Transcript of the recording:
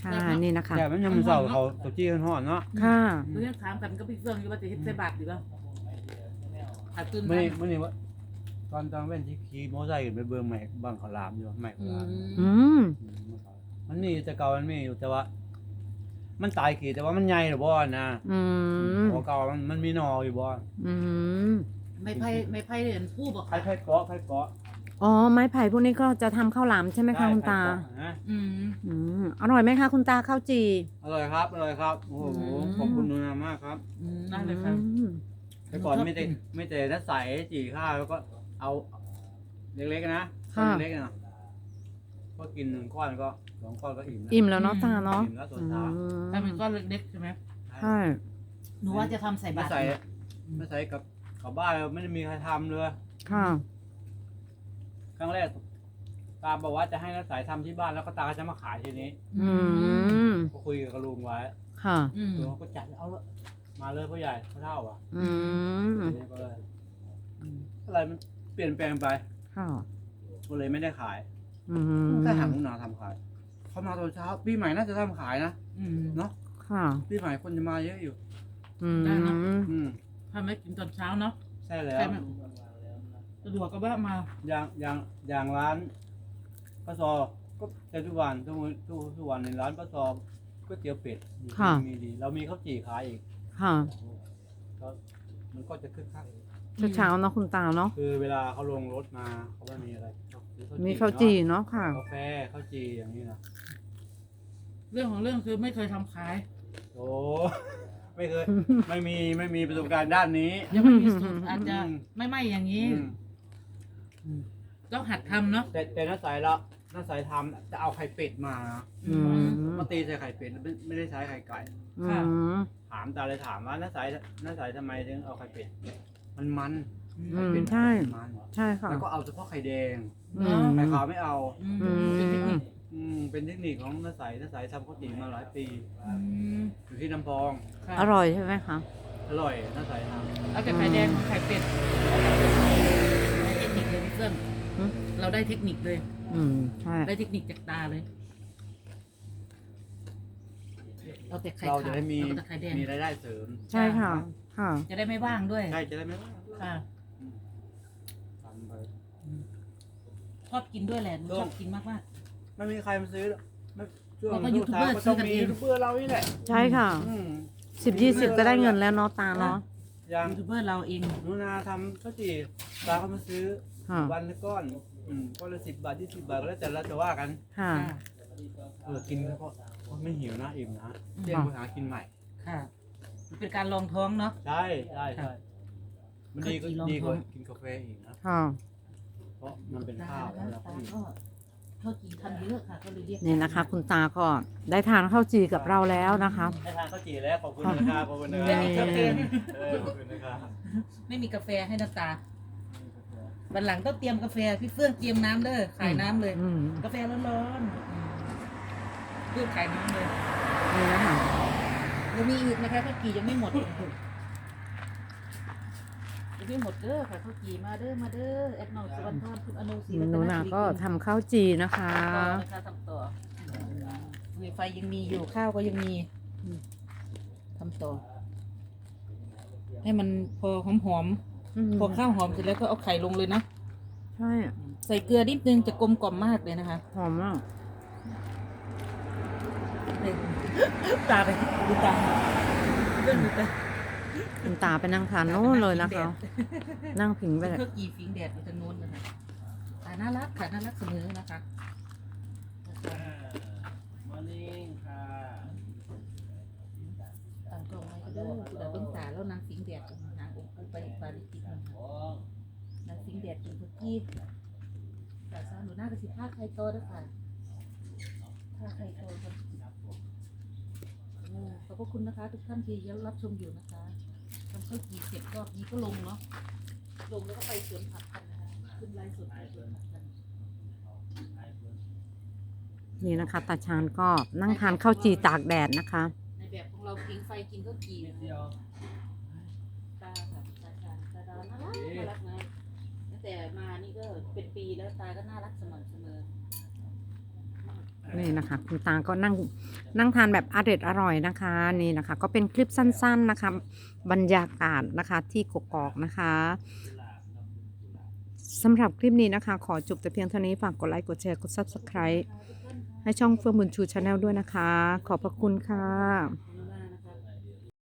ค่ะนี่นะคะแต่มันยังมันเศร้าเขาตัวจี้กันห่อนเนาะค่ะเรื่องถามกันก็พี่เฟื่องอยู่ว่าจะเฮ็ดใส่บาตรดีป่ะขาดตุนไม่นี่ว่าตอนเว้นที่ขี่มอไซค์ขึ้นไปเบิ่งใหม่บางขาวหลามอยู่ใหม่ขาวหลามอืมมันมีแต่เก่ามันมีอยู่แต่ว่า มันตายขี่แต่ว่ามันใหญ่หรือบ่นะอืมของเก่ามันมีหนออยู่บ่อืมไม่ไพ่เห็นผู้บอกใครเกาะใครเกาะอ๋อไม้ไผ่พวกนี้ก็จะทำข้าวหลามใช่ไหมคะคุณตาใครเกะนะอืมอืมอร่อยไหมคะคุณตาข้าวจีอร่อยครับอร่อยครับโอ้โห ขอบคุณหนูนามากครับได้เลยครับอืมแต่ก่อนไม่แต่ถ้าใส่จี่ข้าวแล้วก็เอาเล็กๆนะก้อนเล็กๆนะก็กิน1 ก้อนก็2 ก้อนก็อิ่มนะอิ่มแล้วเนาะตาเนาะอิ่มแล้วส่วนเช้าถ้าเป็นก้อนเล็กๆใช่ไหมใช่หนูว่าจะทำใส่ไม่บาตรใส่กับบ้านไม่ได้มีใครทำเลยค่ะครั้งแรกตาบอกว่าจะให้นักสายทำที่บ้านแล้วก็ตาก็จะมาขายทีนี้อืมก็คุยกับลุงไว้ค่ะอืมลุงก็จัดเอาละมาเลยพ่อใหญ่พ่อเฒ่าอ่ะอืมทีนี้ก็เลยอะไรมันเปลี่ยนแปลงไปค่ะก็เลยไม่ได้ขายอืมถ้าหาลุงนาทำขายเขามาตอนเช้าปีใหม่น่าจะทำขายนะอืมเนาะค่ะปีใหม่คนจะมาเยอะอยู่อืมอืมทำให้กินตอนเช้าเนาะใช่แล้วใช่ไหมสะดวกก็ว่ามาอย่างร้านป้าซอก็แต่ทุกวันทุกวันในร้านป้าซอก๋วยเตี๋ยวเป็ดมีดีเรามีข้าวจี่ขายอีกค่ะก็มันก็จะคึกคักเช้าๆเนาะคุณตาเนาะคือเวลาเขาลงรถมาเขาว่ามีอะไรมีข้าวจี่เนาะค่ะกาแฟข้าวจี่อย่างนี้นะเรื่องของเรื่องคือไม่เคยทำขายโอ้ ไม่เคย ไม่มีประสบการณ์ด้านนี้ยังไม่มีสูตรอาจจะไม่อย่างนี้อืมต้องหัดทำเนาะแต่น้าสายละน้าสายทำจะเอาไข่เป็ดมาอืมมาตีใส่ไข่เป็ดไม่ได้ใช้ไข่ไก่อืมถามตาเลยถามว่าน้าสายทำไมถึงเอาไข่เป็ดมันอืไข่มเป็ดใช่มันใช่ค่ะแล้วก็เอาเฉพาะไข่แดงอืมไข่ขาวไม่เอาอืมเป็นเทคนิคเป็นเทคนิคของน้าสายทำข้าวจี่มาหลายปีอืมอยู่ที่น้ำพองค่ะอร่อยใช่ไหมคะอร่อยน้าสายทำเอาแต่ไข่แดงไข่เป็ดเทคนิคเลยพี่เฟื่องอืมเราได้เทคนิคเลยอืมใช่ได้เทคนิคจากตาเลยเอาแต่ไข่เราขาวจะได้มีเอาแต่ไข่แดงมีรายได้เสริมใช่ค่ะ ค่ะจะได้ไม่ว่างด้วยใช่จะได้ไม่ว่าค่ะทำไปชอบกินด้วยแหละหนูชอบกินมากไม่มีใครมาซื้อหรอกไม่ช่วงเราก็ยูทูบเบอร์ก็ซื้ต้ออง กันมีเองยูทูบเบอร์เรานี่แหละใช่ค่ะอืม 10-20ก็ได้เงินแล้วเนาะตาเนาะอย่างยูทูบเบอร์เราเองหนูนาทำข้าวจี่ตาเขามาซื้อค่ะวันละก้อนก้อนละ10 บาท20 บาทก็แล้วแต่เราจะว่ากันค่ะกินแล้วก็ไม่หิวนะอิ่มนะเที่ยงไปหากินใหม่ค่ะมันเป็นการลองท้องเนาะใช่มันดีก็ข้าวจี่รองดีกว่าท้องกินกาแฟอีกนะค่ะเพราะมันเป็นข้าวตาแล้วก็อิ่มก็ข้าวจีทำเยอะค่ะก็เลยเรียกนี่นะคะ คุณตาก็ได้ทานข้าวจีกับเราแล้วนะคะให้ทานข้าวจี่แล้วขอบคุณนะครับขอบคุณนะคไม่รับมีกาแฟขอบคุณนะครับไม่มีกาแฟให้น้ำตาวันหลังต้องเตรียมกาแฟพี่เฟื่องเตรียมน้ำเด้อขายน้ำเลยอืมกาแฟร้อนๆเพื่อขายน้ำเลยนี่นะคะยังมีอีกนะคะข้าวจียังไม่หมดยังไม่หมดเด้อค่ะข้าวจีมาเด้อแอดนอลสวรรค์ทอนคุณอนุศรีหนูนาก็ทำข้าวจีนะคะต่อนะคะทำต่อไฟยังมีอยู่ข้าวก็ยังมีทำต่อ ให้มันพอหอมๆพอข้าวหอมเสร็จแล้วก็เอาไข่ลงเลยนะใช่ใส่เกลือนิดนึงจะกลมกล่อมมากเลยนะคะหอมมากตาไปดูตาเพื่อนดูตาคุณตาไปนั่งทานโน้นเลยนะคะ นั่งผิงไปเลยเพื่อกี่ฟิงแดดอยู่ทางโน้นนะคะตาน่ารักค่ะน่ารักเสมอนะคะมอร์นิ่งค่ะตามกล่องไว้ก็เด้อคุณอาเบิ้งตาแล้วนางฟิงแดดนางองค์ไปปาริจิตนางฟิงแดดกินเพื่อกี้แต่สาวหนูหน้ากระสิบผ้าไข่โตด้วยค่ะผ้าไข่โตครับขอบพระคุณนะคะ ทุกท่านที่ยังรับชมอยู่นะคะทำข้าวจี่เสร็จก็นี้ก็ลงเนาะลงแล้วก็ไปสวนผักกันนะคะขึ้นไลฟ์สดไปสวนผักกันนี่นะคะ ตาชานก็นั่งทานข้าวจีตากแดดนะคะในแบบของเราพิงไฟกินข้าวจี่ตาค่ะตาชานตาดาวน่ารักไงตั้งแต่มานี่ก็เป็นปีแล้วตาก็น่ารักเสมอนี่นะคะ คุณตาก็นั่งทานแบบอร่อยนะคะนี่นะคะ ก็เป็นคลิปสั้นๆนะคะ บรรยากาศนะคะที่กกอกนะคะสำหรับคลิปนี้นะคะ ขอจบแต่เพียงเท่านี้ฝากกดไลค์กดแชร์กด Subscribe ให้ช่องเฟื่องบุญชูชาแนลด้วยนะคะ ขอบพระคุณค่ะ